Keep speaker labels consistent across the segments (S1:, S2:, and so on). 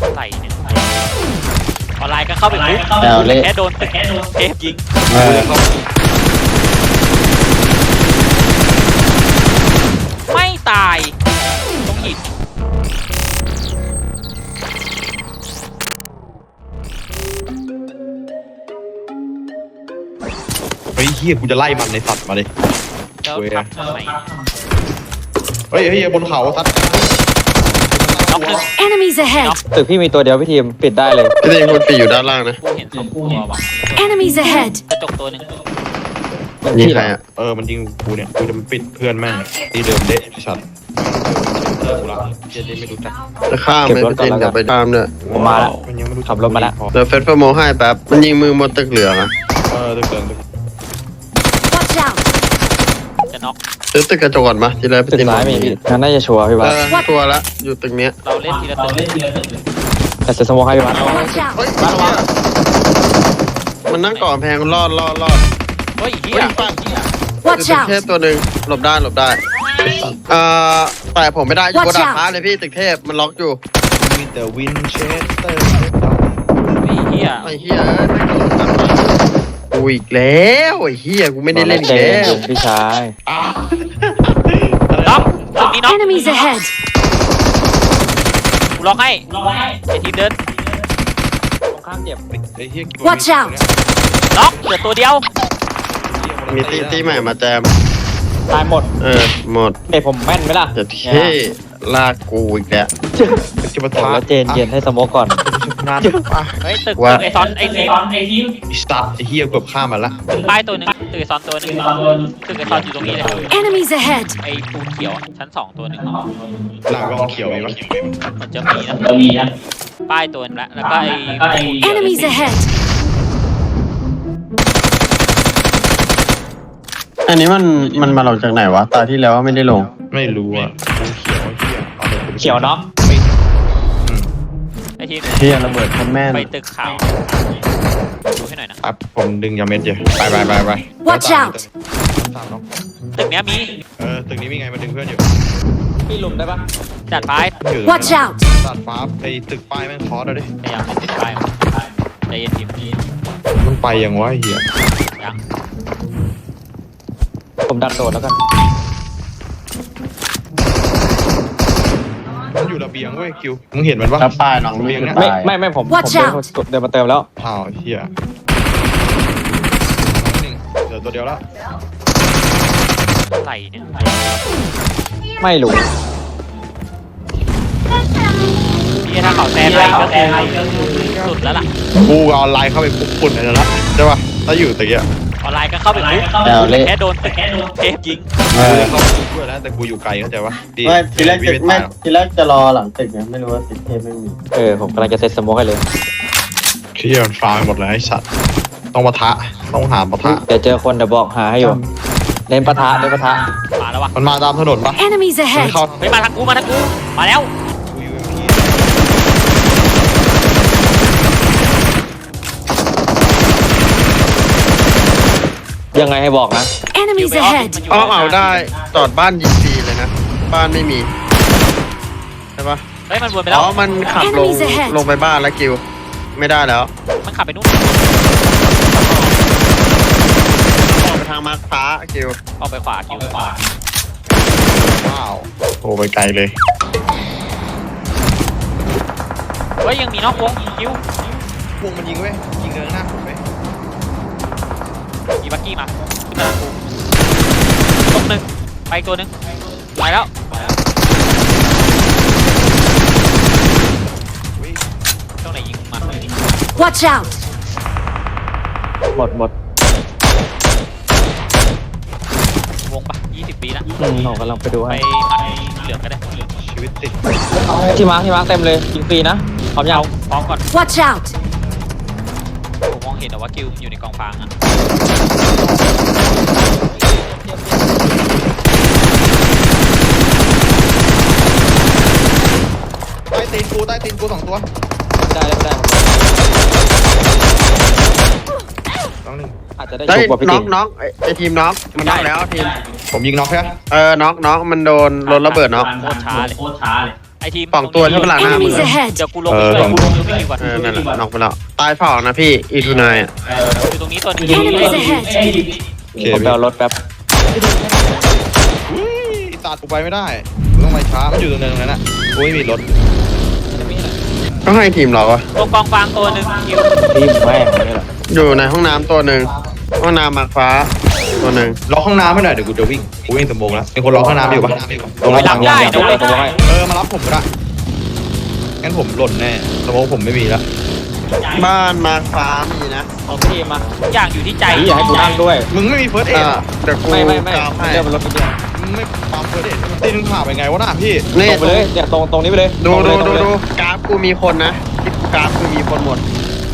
S1: อะไรเนี่ยออนไลน์ก็เข้าไปปุ๊บแค่โดนเทปยิงไม่ตายต้องหิน
S2: เฮ้ยเฮียกูจะไล่มันในสัตว์มาดิ
S1: แล้วทำทำไม
S2: เฮ้ยบนเขาสัตว์
S1: น็อกหนึ่ง
S3: Enemies ahead!
S4: ตึกพี่มีตัวเดียวพี่ทีมปิดได้เลย
S5: พี่ทีมคนปีอยู่ด้านล่างนะ
S1: กูเห็นสองตัวว่ะ
S3: Enemies ahead!
S1: กระจกตัวหนึ่ง
S5: ยิงใครอ่ะ
S2: มันยิงกูเนี่ยกูจะมาปิดเพื่อนแม่งที่เดิมเดะสัตว์เจอกูละเจได้ไม่รู้จัก
S5: จะข้ามไหมพี่ทีมจะไปข้ามเนี่ย
S4: ผมมาแล้ว
S2: มันยังไม่รู้
S4: ขับรถมาแล้ว
S5: เดี๋ยวเฟสเฟอร์โมให้แป๊บมันยิงมือบนตึกเหลืองอ่ะ
S2: ตึกเดิม
S3: Watch out!
S1: จะน็อก
S5: ซื้อตึกกระจกก่อนมาทีแรกพี่
S4: ตึก
S5: ทีม
S4: ซ้ายมีพี่งั้นน่าจะชัวร์พี่บ้าส
S5: ตัวละอยู่ตึกเนี้ย
S1: เราเล่นทีละตัว
S4: แต่เซตสโมคให้พี่บ้าส
S3: Watch out!
S5: เฮ้ยมันนั่งก่อนแพงรอด
S1: เฮ้ยเฮี
S5: เฮ้
S1: ย
S5: ยปั้น
S3: Watch
S5: ตึกเทพ
S3: out!
S5: ตัวหนึ่งหลบได้แต่ผมไม่ได้อยู่บนดาดฟ้าเลยพี่ตึกเทพมันล็อกอยู่
S2: มีแต่วินเชสเตอร์
S1: เฮ้ยเฮีย
S5: ไอ้เหี้ยกูอีกแล้วไอ้เหี้ยกูไม่ได้เล่น
S4: เจ
S5: แล้ว
S4: นพี่ชาย
S1: น็อกตึกนี้น็อก
S3: Enemies ahead!
S1: กูล็อกให้ไอทีมเดิน
S4: ตรงข้ามเจ็บ
S3: Watch out!
S1: น็อกเหลือตัวเดียว
S5: มีตีใหม่มาแจม
S4: ตายหมด
S5: หมด
S4: เด็ผมแม่นไหมล่ะ
S5: จะเท่ลากกูอีกแล้ว
S2: จะมา
S4: บอก
S2: ท้า
S4: แล้วเจนเย็นให้สโมกก่อน
S2: นาน
S1: เฮ้ยตึก
S5: ว่า
S1: ไอซอนไอทีม
S2: ไอ้สัตว์ไอ้เฮียเกือบข้ามมาละ
S1: ป้ายตัวหนึ่งตึกไอซอนตัวหนึ่งตึกไอซอนอยู่ตรงนี้เลย
S3: Enemies ahead!
S1: ไอปูนเขียวอะชั้นสองตัวหนึ่ง
S2: หลังกองเขียวไอ้วะ
S1: มันจะมีนะป้ายตัวนึงละแล้วก็ไอ
S3: Enemies ahead!
S5: อันนี้มันมาลงจากไหนวะตาที่แล้วไม่ได้ลง
S2: ไม่รู้อ่ะเขียวเฮีย
S4: เขียวน็อก
S1: ไอทีม
S5: เฮียระเบิดคนแม่น
S1: ไปตึกขาวดูให้หน่อยนะ
S2: ครับผมดึงยาเม็ดเยอะไป
S3: Watch out!
S1: ตึกเนี้ยมี
S2: ตึกนี้มีไงมาดึงเพื่อนอยู่
S4: พี่ลุมได้ปะ
S1: จัดไป
S3: Watch out!
S2: ตัดฟ้าไปตึกป้ายแม่งคอร์ดเลย
S1: พยายามไม่ติดป้ายใจเย็นทีม
S2: มันไปยังวะเฮีย
S1: ยัง
S4: ผมดันโดดแล้วกัน
S2: มันอยู่ระเบียงเว้ยคิวมึงเห็นมันปะ
S5: ถ้าป้ายน้องไม่ขึ้น
S4: ไม่ผม
S3: Watch
S4: เดิน
S3: out
S4: เดินมาเติมแล้ว
S2: อ้าวเฮียหนึ่งเดี๋ยวตัวเดียวแล้ว
S1: อะไรเนี่ย
S4: ไม่รู้
S1: พี่ถ้าเขาแซงอะไรก็คือสุดแล้วล่ะ
S2: กูออนไลน์เข้าไปปุ๊บปุ่นเลยละใช่ปะถ้าอยู่ตะกี้
S1: ออนไลน์ก็เข้าไปปุ๊บแค่โดนเทปยิง
S2: กูจะเข้าไปด้วยแล้วแต่กูอยู่ไกลเข้าใจปะ
S5: ไม่ทีแรกจะรอหลังตึกไงไม่รู้ว่าตึกเทพไม่มี
S4: ผมกำลังจะเซตสโมกให้เลย
S2: เฮียมันฟาร์มหมดเลยไอ้สัตว์ต้องปะทะต้องหาปะทะ
S4: เดี๋ยวเจอคนเดี๋ยวบอกหาให้อยู่เล่นปะทะเล่นปะทะ
S1: มาแล้ววะ
S2: มันมาตามถนนปะ
S3: Enemies
S2: มัน
S3: ahead!
S2: เข้า
S1: เฮ้ยมาทางกูมาแล้ว
S2: กูอยู่
S4: ยังไงให้บอกนะ
S3: Enemies ahead!
S5: เอาได้จอดบ้านยิงฟรีเลยนะบ้านไม่มีใช่ปะ
S1: เฮ้ยมันวนไปแล้ว
S5: มันขับลงไปบ้านแล้วกิวไม่ได้แล้ว
S1: มันขับไปนู่น
S5: ออกไปทางมาร์คฟ้ากิว
S1: ออกไปขวาคิว
S2: ว้าวโอ้ไปไกลเลย
S1: เฮ้ยยังมีนอกวงคิว
S2: พวกมันยิงเว้ยยิงเดินหน้าผมเว้ย
S1: มีบักกี้มาขึ้นมาทางกูตรงหนึ่งไปตัวหนึ่งไปแล้วตรงไหนยิงมา
S3: Watch out!
S4: หมด
S1: วงปะ20 ปีนะ
S4: ผมกำลังไปดู
S1: ไป
S4: ให้
S1: มัดเหลืองก็ได้
S2: ชีวิตติด
S4: ที่มาร์คเต็มเลยยิงฟรีนะพร้อมยัง
S1: พร้อมก่อน
S3: Watch out!
S1: ผมมองเห็นแต่ว่าคิวอยู่ในกองฟางอะ
S2: ใต้ตีนกู2 ตัว
S4: ได้ไม่ได้
S2: ต้องหนึ่ง
S4: อาจจะได้
S5: ได้
S4: ชุบกว่าพี่
S5: น็
S4: ติ
S5: อกน็อกไอทีมน็อกมันน็อกแล้วทีม
S2: ผมยิงน็อกแค่
S5: น็อกมันโดนรถระเบิดน็อก
S1: โคตรช้าเลยไอทีม
S5: สองตัวที่หลังหน้ามือ
S3: Enemies ahead!
S1: เดี๋ยวกูลงไปช่วยกูลงไปวิ่งก่อน
S5: นั่นแหละน็อกไปแล้วตายเปล่านะพี่อีทูนายอ่ะ
S1: อยู่ตรงนี้ตัวนึง
S3: Enemies ahead!
S2: โอเค
S4: ผมไปเอารถแป๊บ
S2: อุ้ยตัดกูไปไม่ได้กูต้องไปช้ามันอยู่ตรงเนินตรงนั้นน่ะกูไม่มีรถ
S5: ก็ให้ทีมเราอะ
S1: ตรงกองฟางตัวหนึ่งคิว
S4: ทีมแม่งนี่แหละ
S5: อยู่ในห้องน้ำตัวหนึ่งห้องน้ำหมากฟ้าตัวหนึ่ง
S2: ล็อกห้องน้ำให้หน่อยเดี๋ยวกูจะวิ่งกูวิ่งสมบูรณ์แล้วมีคนล็อกห้องน้ำอยู่ปะ
S4: ตรงนี้ยังตรงนี้ให้
S2: มารับผมก็ได้งั้นผมหล่นแน่สมองผมไม่มีแล้ว
S5: บ้านหมากฟ้ามีนะ
S4: ของทีมมา
S1: ทุกอย่างอยู่ที่ใจ
S4: พี่อย่าให้กูนั่งด้วย
S2: มึงไม่มีเฟิร์สเอ็ด
S5: เดี๋ยวกู
S4: ไม่
S5: กราฟให้
S4: เรียกเป็นรถไปเดียว
S2: มึงไม่ปั๊มเฟิร์สเอ็ดตีนึงผ่าไปไงวะน่ะพี่
S5: นี่
S4: ตรงไปเลยเนี่ยตรงนี้ไปเลย
S5: ดู
S4: ตรง
S5: ดู
S4: เลย
S5: ดูดูกราฟกูมีคนนะที่กูกราฟกูมีคนหมด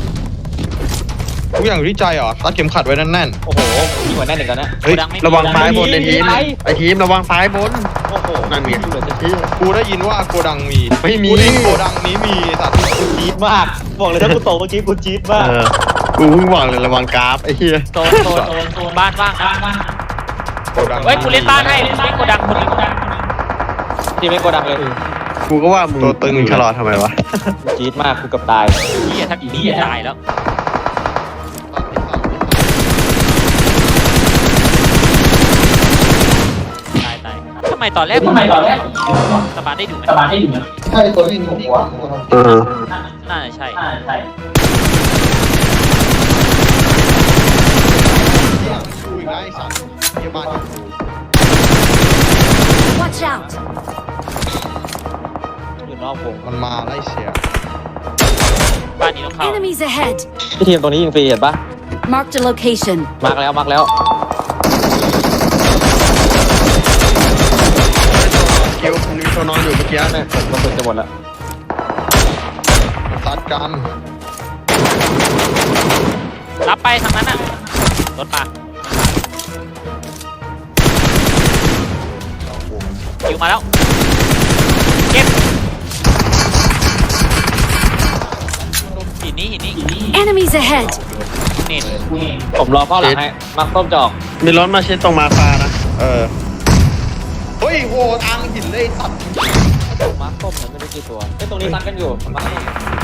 S2: ทุกอย่างอยู่ที่ใจเหรอรัดเข็มขัดไว้แน่น
S4: โอ้โหยิ่งกว่าแน่นอีกแล้วนะ
S2: ๆเฮ้ย
S5: ระวังซ้ายบนในทีมไอทีมระวังซ้ายบน
S4: โอ้โห
S5: นั่นไง
S4: เหลือจะ
S5: ที่
S2: กูได้ยินว่าโกดังมี
S5: ไม่มี
S2: กูได้ยินโกดังนี้มีสัตว์
S4: จี๊ดมากบอกเลยถ้ากูโตเมื่อกี้กูจี๊ดมาก
S5: กูเพิ่งบอกเลยระวังกราฟไอ้เหี้ย
S1: โซนบ้านว่างนะ
S2: โกดัง
S1: เฮ้ยกูเล่นบ้านให้เล่นโกดังคนนึง
S4: ทีมไม่โกดังเลย
S5: กูก็ว่ามึงมึงชะลอทำไมวะ
S4: กูจี๊ดมากกูเกับตาย
S1: เฮียถ้าผีตายแล้วตายทำไมตอนแรกสบาร์ได้ดูไหม
S5: เออ
S1: น่าจะใช่
S2: กูอีกแล้วไอ้สัตว์เยี่ยบ้านอยู่กู
S3: Watch out!
S4: อยู่นอกวง
S2: มันมาไล่เสีย
S1: บ้านนี้ต้องเข้า
S3: Enemies ahead!
S4: พี่ทีมตรงนี้ยิงฟรีเห็นปะ
S3: Marked a location.
S4: มาร์กแล้ว
S5: คิวมันมีตัวนอนอยู่เมื่อกี้
S4: เนี่ยผมกระสุนจะหมดแล้ว
S2: ตัดกัน
S1: รับไปทางนั้นน่ะรถมาคิวมาแล้วเก็บหินนี้
S3: Enemies ahead!
S1: เน็ต
S4: ผมรอเข้าหลังให้มาร์กต้มจอก
S5: มีรถมาเช็ดตรงมาฟ้านะ
S2: เฮ้ยโหทางหินเลยสัตว์
S4: มาร์กต้มเหมือนไม่รู้กี่ตัวไอ้ยตรงนี้ซัดกันอยู่มาร์ค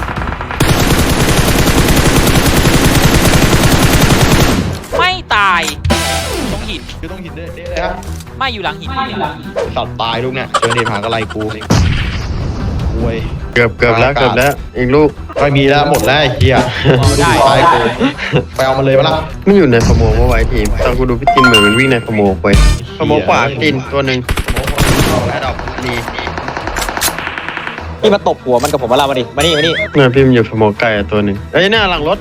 S1: ไม่ตายตรงหิน
S2: คือต้องหินเด้เลยฮะ
S1: ไม่อยู่หลังหิน
S2: สัตว์ตายลูกเนี่ยเจอเดผากระไรกูโวย
S5: เกือบแล้วอีกลูก
S2: ไม่มีแล้วหมดแล้วไอ้เหี้ย
S1: ได้
S2: ตายกูไปเอามันเลยปะล่ะ
S5: ไม่อยู่ในสโมองว่าไว้ทีมตอนกูดูพี่จินเหมือนมันวิ่งในสโมองไปสโมองขวาจินตัวหนึ่ง
S2: แอดดอก
S5: นี่
S4: พี่มาตบหัวมันกับผมมาลามาดิมานี่
S5: เนี่ยพี่มันอยู่สโมองไก่ตัวหนึ่งเอ้ยเนี่ยหลังรถ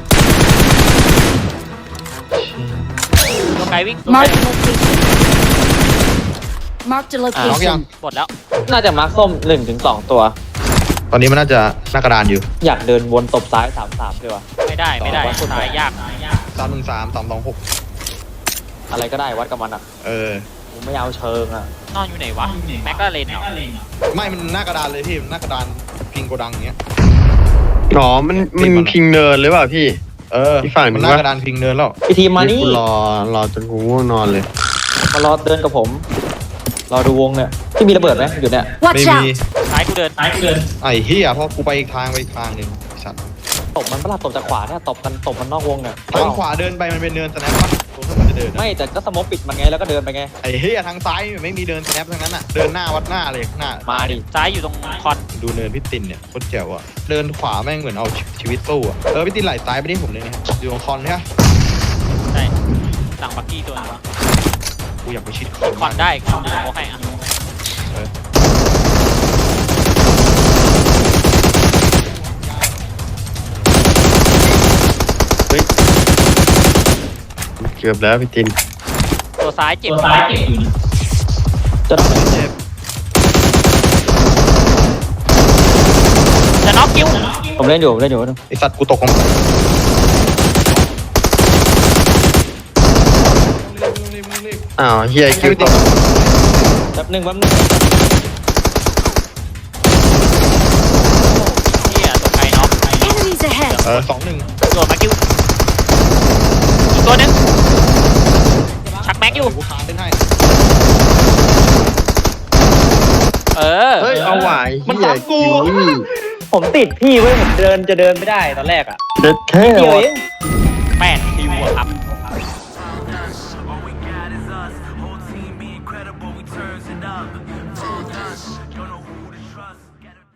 S1: ตัวไกลวิ่ง
S3: Marked a location. Marked a
S2: น็อกยัง
S3: location.
S1: หมดแล้ว
S4: น่าจะมาร์กส้ม1-2 ตัว
S2: ตอนนี้มันน่าจะหน้ากระดานอยู่
S4: อยากเดินวนตบซ้าย3-3เลยว่ะ
S1: ไม่ได้ตายยาก
S2: 313 326
S4: อะไรก็ได้วัดกับมันอ่ะ ผมไม่เอาเชิงอ่ะ
S1: นอนอยู่ไหนวะแม็กกาเลนเหรอ
S2: ไม่มันหน้ากระดานเลยพี่หน้ากระดานพิงโกดังอย่างเงี้ย
S5: อ๋อมันพิงเนินหรือเปล่าพี่ อีกฝั่งหนึ่
S2: มัน
S5: ง
S2: หน้า
S5: วะ
S2: กระดานพิงเนินแล้ว
S4: พี่ทีมมานี่
S5: กูรอจนกูง่วงนอนเลย
S4: มารอเดินกับผม รอดูวงเนี่ยพี่มีระเบิดไหมอยู่เนี่ย
S3: Watch
S2: ไม่มี
S3: out!
S1: ซ้ายกูเดิน
S2: ไอ้เหี้ยเพราะกูไปอีกทางหนึ่งไอ้สัตว์
S4: ตบมันประหลาดตบจากขวาเนี่ยตบมันนอกวงเนี่ย
S2: ทางขวาเดินไปมันเป็นเนินสแนปปะตรงที่มันจะเดินอะ
S4: ไม่แต่ก็สโมกปิดมันไงแล้วก็เดินไปไง
S2: ไอ้เหี้ยทางซ้ายไม่มีเดินสแนปทั้งนั้นอ่ะเดินหน้าวัดหน้าเลยข้างหน้า
S4: มาดิ
S1: ซ้ายอยู่ตรงคอน
S2: ดูเนินพี่ตินเนี่ยโคตรแจ๋วอ่ะเดินขวาแม่งเหมือนเอาชีวิตสู้อ่ะพี่ตินไหลซ้ายไปที่ผมเลยนะครับอยู่ตรงคอนใช่ไหม
S1: ใช่หลังบักกี้ตัวนึง
S2: กูอยากไปชิด
S1: คอนได้กูโมให้อ่ะ
S5: เกือบแล้วพี่จิน
S1: ตัวซ้ายเจ็บ
S4: จะทำไง
S2: เจ็บ
S1: จะน็อกคิว
S4: ผมเล่นอยู่
S2: ไอสัตว์กูตกลงมา
S5: อ้าวเฮียคิวตก
S4: แป๊บนึง
S1: เฮียตัวไกลน็อก
S3: Enemies ahead!
S2: 2-1
S1: โดดมาคิวอีกตัวนึงชักแม็กอยู่
S2: กูขาเต้นให้
S1: เออ
S5: เฮ้ยเอาไหว
S2: มันซ้ำกู
S4: ผมติดพี่เว้ยผมจะเดินไม่ได้ตอนแรกอ่ะ
S5: เด็ดแค่
S4: เดียว
S5: วะ
S4: เอง
S1: 8 คิวอะครับ
S6: All we got is us. Whole team be incredible. We turns it up.